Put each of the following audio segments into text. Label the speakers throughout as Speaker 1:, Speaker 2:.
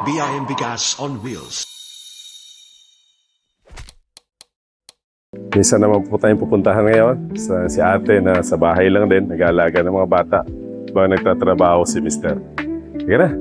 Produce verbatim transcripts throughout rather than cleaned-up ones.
Speaker 1: B I M Bigas on Wheels.
Speaker 2: Minsan naman po tayong pupuntahan ngayon sa si ate na sa bahay lang din, nag-aalaga ng mga bata. Ba nagtatrabaho si mister. Sige na.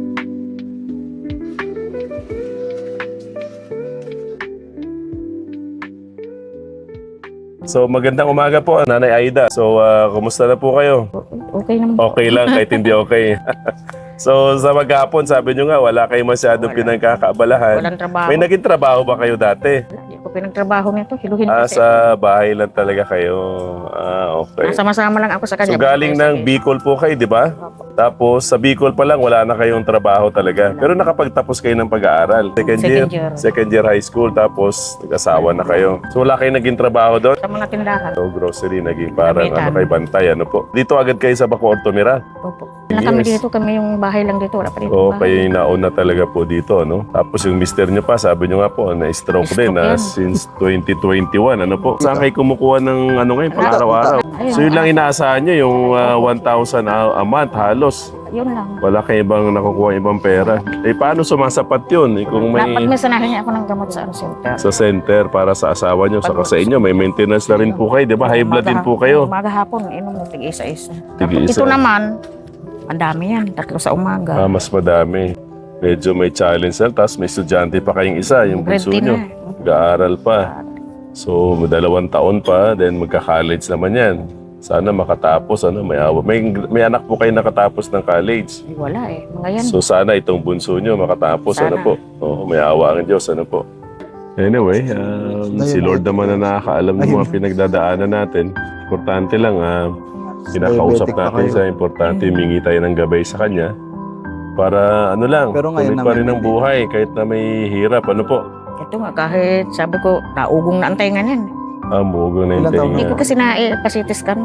Speaker 2: So magandang umaga po, Nanay Aida. So uh, kumusta na po kayo?
Speaker 3: Okay naman.
Speaker 2: Okay lang kahit hindi okay. So sa maghapon, sabi nyo nga wala kayong masyadong pinagkakaabalahan.
Speaker 3: Walang trabaho.
Speaker 2: May naging trabaho ba kayo dati?
Speaker 3: Hindi ko pinagtrabaho nito. Hiluhin
Speaker 2: Ah,
Speaker 3: kasi.
Speaker 2: sa bahay lang talaga kayo. Ah, okay.
Speaker 3: Sama-sama lang ako sa kanya.
Speaker 2: So galing ng Bicol po kayo, di ba? Tapos sa Bicol pa lang wala na kayong trabaho talaga. Pero nakapagtapos kayo ng pag-aaral. Second year,
Speaker 3: Second year.
Speaker 2: second year high school, tapos nag-asawa na kayo. So wala kayong naging trabaho doon?
Speaker 3: Sa mga tindahan.
Speaker 2: So grocery, naging parang
Speaker 3: Gamitan.
Speaker 2: ano kay bantay, ano po. Dito agad kayo sa Bacoor tumira.
Speaker 3: Opo. Na kami
Speaker 2: Yes.
Speaker 3: dito, kami yung bahay lang dito. Wala pa dito
Speaker 2: Oo,
Speaker 3: bahay.
Speaker 2: kayo yung nauna talaga po dito, no? Tapos yung mister nyo pa, sabi nyo nga po, na-stroke din
Speaker 3: Stroke
Speaker 2: na
Speaker 3: yan.
Speaker 2: since twenty twenty-one, ano po? Saan kayo kumukuha ng ano ngayon, pang araw-araw?
Speaker 3: Ayun,
Speaker 2: So yun lang inaasahan nyo, yung uh, one thousand a, a month halos.
Speaker 3: Yun lang.
Speaker 2: Wala kayo ibang nakukuha ibang pera. Eh paano sumasapat yun? Eh, kung may
Speaker 3: Dapat may sanahin niya ako ng gamot sa ano, center.
Speaker 2: sa center para sa asawa nyo, saka sa inyo, may maintenance na rin po kayo, di ba? High blood din po kayo.
Speaker 3: Umaga hapon, inom mo tig-isa-isa.
Speaker 2: Tig-isa.
Speaker 3: Ito naman, ang dami yan. Tatlo sa umaga.
Speaker 2: Ah, mas madami. Medyo may challenge na. Tapos may estudyante pa kayong isa, yung
Speaker 3: Grade
Speaker 2: bunso
Speaker 3: ten
Speaker 2: nyo.
Speaker 3: na.
Speaker 2: Nag-aaral pa. So, dalawang taon pa, then magka-college naman yan. Sana makatapos, ano, may awa. May, may anak po kayo nakatapos ng college.
Speaker 3: Ay, wala eh. Mga yan.
Speaker 2: So, sana itong bunso nyo makatapos,
Speaker 3: Sana.
Speaker 2: ano po. Oo, may awa ang Diyos, ano po. Anyway, um, si Lord naman na nakakaalam ng mga pinagdadaanan natin. Importante lang, ah, kinakausap
Speaker 4: Diabetic pa
Speaker 2: natin
Speaker 4: kayo.
Speaker 2: sa importante, humingi tayo ng gabay sa Kanya. Para ano lang,
Speaker 4: Pero ngayon
Speaker 2: tuloy pa rin
Speaker 4: naman,
Speaker 2: ang buhay kahit na may hirap. Ano po?
Speaker 3: Ito nga, kahit sabi ko, naugong na ang tenga niyan.
Speaker 2: Ah, mugo na yung
Speaker 4: Ilan taon
Speaker 3: Hindi
Speaker 2: tinga.
Speaker 3: ko kasi na-pasitis ka.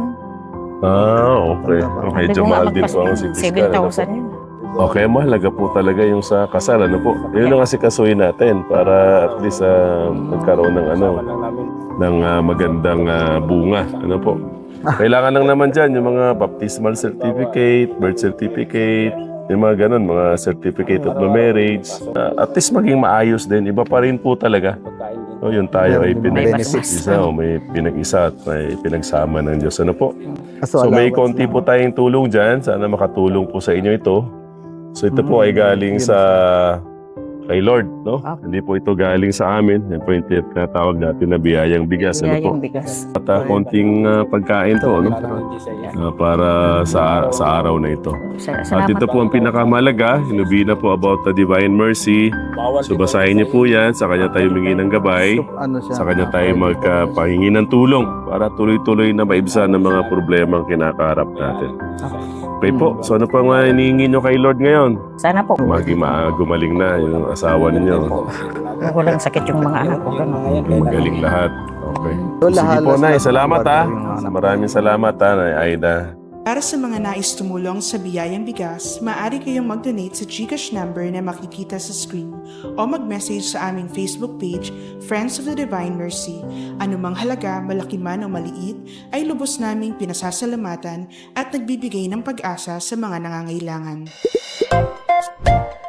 Speaker 2: Ah, okay. Medyo mahal din po ang C T
Speaker 3: seven
Speaker 2: scan. Ano po?
Speaker 3: thousand yun.
Speaker 2: Okay, mahalaga po talaga yung sa kasal. Ano po? Yun ang kasi kasuhin natin para at least uh, magkaroon ng ano, ng ah, magandang ah, bunga. Ano po? Kailangan lang naman dyan yung mga baptismal certificate, birth certificate, yung mga ganun, mga certificate of the marriage. Ah, at least maging maayos din. Iba pa rin po talaga. So, yun tayo ay pinag-isa o may pinag-isa at may pinagsama ng Diyos. Ano po? So may konti po tayong tulong dyan. Sana makatulong po sa inyo ito. So ito po ay galing sa kay Lord, no?
Speaker 3: Ah.
Speaker 2: Hindi po ito galing sa amin. Yan po yung tinatawag natin na biyayang bigas. Ano
Speaker 3: Kaya
Speaker 2: po?
Speaker 3: yung bigas.
Speaker 2: At uh, konting uh, pagkain to, no? Uh, para sa sa araw na ito.
Speaker 3: Sa-
Speaker 2: At
Speaker 3: Salamat
Speaker 2: ito po ang pinakamalaga. Hinubina po about the divine mercy. So basahin niyo po yan. Sa kanya tayo humingi ng gabay.
Speaker 4: Ano siya?
Speaker 2: Sa kanya tayo magpahingi ng tulong para tuloy-tuloy na maibsan ng mga problema ang kinakaharap natin. Okay po. So ano pang uh, hinihingi nyo kay Lord ngayon?
Speaker 3: Sana po.
Speaker 2: Maging ma- gumaling na yung asawa ninyo.
Speaker 3: Walang sakit yung mga anak ko. Ganun.
Speaker 2: Magaling lahat. Okay.
Speaker 4: So,
Speaker 2: Sige
Speaker 4: lahat-
Speaker 2: po, Nay.
Speaker 4: lahat-
Speaker 2: Salamat ha.
Speaker 4: yung mga anak.
Speaker 2: Maraming salamat ha, Nay Aida.
Speaker 5: Para sa mga nais tumulong sa Biyayang Bigas, maaari kayong mag-donate sa GCash number na makikita sa screen o mag-message sa aming Facebook page, Friends of the Divine Mercy. Anumang halaga, malaki man o maliit, ay lubos naming pinasasalamatan at nagbibigay ng pag-asa sa mga nangangailangan.